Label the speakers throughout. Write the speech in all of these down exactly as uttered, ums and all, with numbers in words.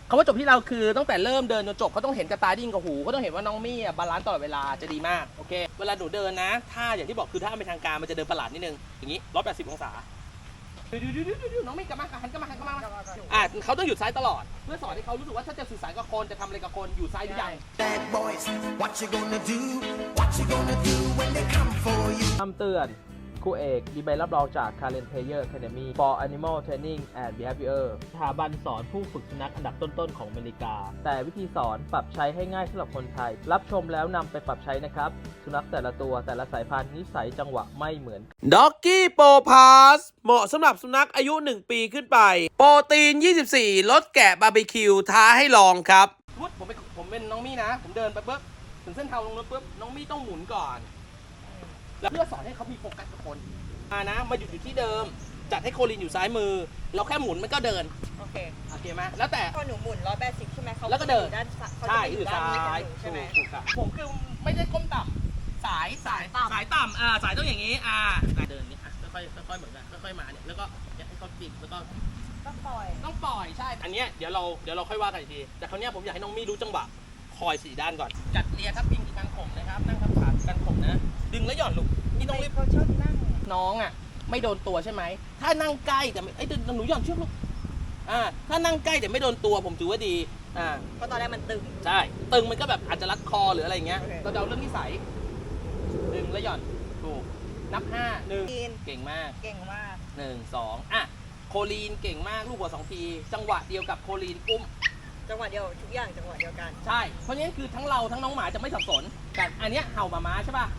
Speaker 1: คำว่าจบที่เราคือตั้งแต่เริ่มเดินจนจบเขาต้องเห็นกระตาดิ้งกับหูเขาต้องเห็นว่าน้องมี่บาลานซ์ตลอดเวลาจะดีมากโอเคเวลาหนูเดินนะถ้าอย่างที่บอกคือถ้าเป็นทางการมันจะเดินประหลาดนิดนึงอย่างนี้ร้อยแปดสิบองศาดูดูดูดูดูน้องมี่กลับมาหันกลับมาหันกลับมาอ่ะเขาต้องหยุดซ้ายตลอดเพื่อสอนให้เขารู้สึกว่าถ้าจะสื่อสารกับคนจะทำอะไรกับคนอยู่ซ้ายหรือยัง
Speaker 2: Bad boys, what you gonna do? What you gonna do when they come for you?
Speaker 1: คำเตือนครูเอกมีใบรับรองจาก Karen Player Academy for Animal Training and Behavior สถาบันสอนผู้ฝึกสุนัขอันดับต้นๆของอเมริกาแต่วิธีสอนปรับใช้ให้ง่ายสำหรับคนไทยรับชมแล้วนำไปปรับใช้นะครับสุนัขแต่ละตัวแต่ละสายพันธุ์นิสัยจังหวะไม่เหมือน Doggy Pro Plus เหมาะสำหรับสุนัขอายุหนึ่งปีขึ้นไปโปรตีนยี่สิบสี่ลดแกะบาร์บีคิวท้าให้ลองครับผมเป็นผมเป็นน้องมี่นะผมเดินไปปุ๊บถึงเส้นทางลงรถปุ๊บน้องมี่ต้องหมุนก่อนแล้วเพื่อสอนให้เขามีโฟกัสกับคนมานะมาหยุดอยู่ที่เดิมจัดให้โคลินอยู่ซ้ายมือเราแค่หมุนมันก็เดินโอเคโอเคไหมแล้วแต่
Speaker 3: พอหนูหมุนร้อยแปดสิบใช่ไหมเขา
Speaker 1: แล้วก็เดิน
Speaker 3: ด้านเขา
Speaker 1: ใช่
Speaker 3: จะ
Speaker 1: อยู่
Speaker 3: ด้าน
Speaker 1: ซ้าย
Speaker 3: ใช่ไหม
Speaker 1: ถูกครับผมคือไม่ได้ก้มต่ำสายสายสายต่ำอ่าสายต้องอย่างนี้อ่าเดินนี้อ่ะค่อยๆค่อยๆเหมือนกันค่อยๆมาเนี่ยแล้วก็ให้เขาปิดแล้วก็
Speaker 3: ต้องปล่อย
Speaker 1: ต้องปล่อยใช่อันเนี้ยเดี๋ยวเราเดี๋ยวเราค่อยว่ากันอีกทีแต่คราวนี้ผมอยากให้น้องมี่รู้จังหวะคอยสี่ด้านก่อนจัดเรียทับพิงที่การข่มนะครับนั่งทับขาการข่มนะดึงแล้วหย่อนลูกนี่ต้องรีบ
Speaker 3: เขาชอบนั่ง
Speaker 1: น้องอ่ะไม่โดนตัวใช่ไหมถ้านั่งใกล้แต่ไม่ไอ้หนูหย่อนเชือกลูกอ่าถ้านั่งใกล้แต่ไม่โดนตัวผมถือว่าดีอ่า
Speaker 3: เพราะตอนแรกมันตึง
Speaker 1: ใช่ตึงมันก็แบบอาจจะรัดคอหรืออะไรเงี้ยเราจะเอาเรื่องนิสัยดึงแล้วหย่อนถูกนับห้าหนึ่งเก่งมาก
Speaker 3: เก่งมาก
Speaker 1: หนึ่งสองอ่ะโคลีนเก่งมากลูกหัวสองทีจังหวะเดียวกับโคลีนอุ้ม
Speaker 3: จังหวะเดียวทุกอย่างจังหวะเดียวกัน
Speaker 1: ใช่เพราะฉะนั้นคือทั้งเราทั้งน้องหมาจะไม่สับสนกันอันเนี้ยเห่าหมาม้าใช่ป่ะ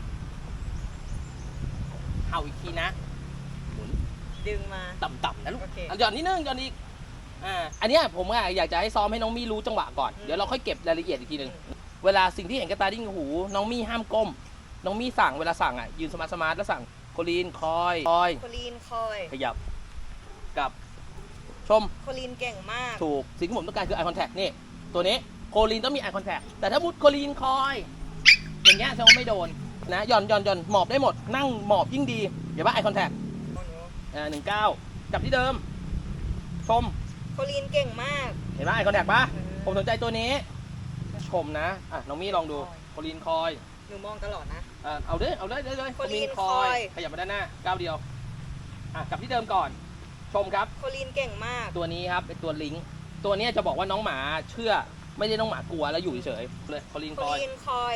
Speaker 1: เห่าอีกทีนะหมุน
Speaker 3: ดึงมา
Speaker 1: ต่ำๆนะลูก
Speaker 3: okay.
Speaker 1: หย่อนนิดนึงหย่อนอีกอ่าอันเนี้ยผมอยากจะให้ซ้อมให้น้องมี่รู้จังหวะก่อนเดี๋ยวเราค่อยเก็บรายละเอียดอีกทีหนึ่งเวลาสิ่งที่เห็นกระตาดิ้งหูน้องมี่ห้ามก้มน้องมี่สั่งเวลาสั่งอ่ะยืนสมาร์ทสมาร์ทแล้วสั่งโคลีนคอยคอย
Speaker 3: โคลีนคอย
Speaker 1: ขยับกับชม
Speaker 3: โคลีนเก่งมาก
Speaker 1: ถูกสิ่งที่ผมต้องการคือ eye contact นี่ตัวนี้โคลีนต้องมี eye contact แต่ถ้ามุดโคลีนคอยอย่างเงี้ยแสดงว่าไม่โดนนะหย่อนหย่อนหย่อนหมอบได้หมดนั่งหมอบยิ่งดีเดี๋ยวว่า eye contact อ่าหนึ่งเก้าจับที่เดิมชม
Speaker 3: โคลีนเก่งมาก
Speaker 1: เห็นไหม eye contact ปะผมสนใจตัวนี้ชมนะอ่ะน้องมี่ลองดูโคลีนคอย
Speaker 3: หนูมองตลอดนะ
Speaker 1: อ่าเอาด้วยเอาด้วยเลย
Speaker 3: โคลีนคอย
Speaker 1: ขยับมาด้านหน้าก้าวเดียวอ่ะจับที่เดิมก่อนชมครับ
Speaker 3: โคลีนเก่งมาก
Speaker 1: ตัวนี้ครับเป็นตัวลิงก์ตัวนี้จะบอกว่าน้องหมาเชื่อไม่ได้น้องหมากลัวแล้วอยู่เฉยๆเลยโคลีนคอย
Speaker 3: โคลีนคอย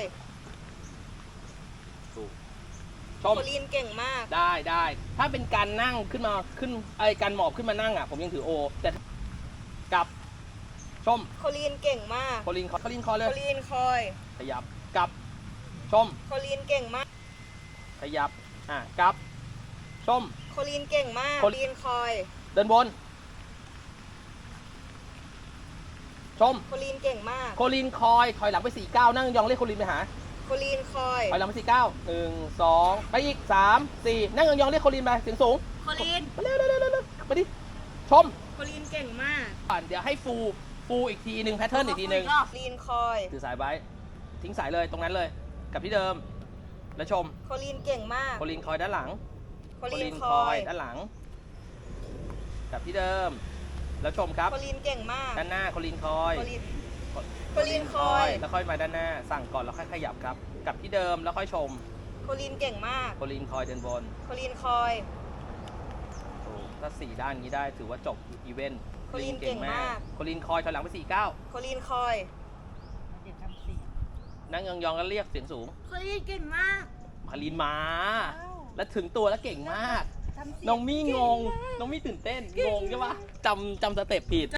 Speaker 1: ถูกชม
Speaker 3: โคลีนเก่งมาก
Speaker 1: ได้ได้ถ้าเป็นการนั่งขึ้นมาขึ้นไอ้การหมอบขึ้นมานั่งอ่ะผมยังถือโอแต่กับชม
Speaker 3: โคลีนเก่งมาก
Speaker 1: โคลีนคอยโคลีนคอยเลย
Speaker 3: โคลีนคอย
Speaker 1: ขยับกับชม
Speaker 3: โคลีนเก่งมาก
Speaker 1: ขยับอ่ะกับชม
Speaker 3: โคลีนเก่งมากโคลีนคอย
Speaker 1: เดินบนชม
Speaker 3: โคลีนเก่งมาก
Speaker 1: โคลีนคอยถอยหลังไปสี่เก้านั่งยองเรียกโคลีนไปหา
Speaker 3: โคลีนคอย
Speaker 1: ถอยหลังไปสี่เก้าหนึ่งสองไปอีกสามสี่นั่งยองเรียกโคลีนไปเสียงสูง
Speaker 3: โคลีน
Speaker 1: เร็วเร็วเร็วเร็วไปดิชม
Speaker 3: โคลีนเก่งมาก
Speaker 1: ก่อนเดี๋ยวให้ฟูฟูอีกทีหนึ่งแพทเทิร์นอีกทีหนึ่ง
Speaker 3: โคลีนคอย
Speaker 1: ถือสายไว้ทิ้งสายเลยตรงนั้นเลยกลับที่เดิมแล้วชม
Speaker 3: โคลีนเก่งมาก
Speaker 1: โคลีนคอยด้านหลัง
Speaker 3: โคลีนคอย
Speaker 1: ด้านหลังกลับที่เดิมแล้วชมครับ
Speaker 3: โคลีนเก่งมาก
Speaker 1: ด้านหน้าโคลีนคอย
Speaker 3: โคลีนคอย
Speaker 1: แล้วค่อยมาด้านหน้าสั่งก่อนแล้วค่อยขยับครับกลับที่เดิมแล้วค่อยชม
Speaker 3: โคลีนเก่งมาก
Speaker 1: โคลีนคอยเดินบน
Speaker 3: โคลีนคอย
Speaker 1: ถูกถ้าสี่ด้านนี้ได้ถือว่าจบอีเวนต์
Speaker 3: โคลีนเก่งมาก
Speaker 1: โคลีนคอยถอยหลังไปสี่เก้า
Speaker 3: โคลีนคอย
Speaker 1: นั่งยองๆแล้วเรียกเสียงสูง
Speaker 3: โคลีนเก่งมาก
Speaker 1: โคลีนมาแล้วถึงตัวแล้วเก่งมากน้องมี่งงน้องมี่ตื่นเต้นงงใช่ปะจำจำสเต็ปผิด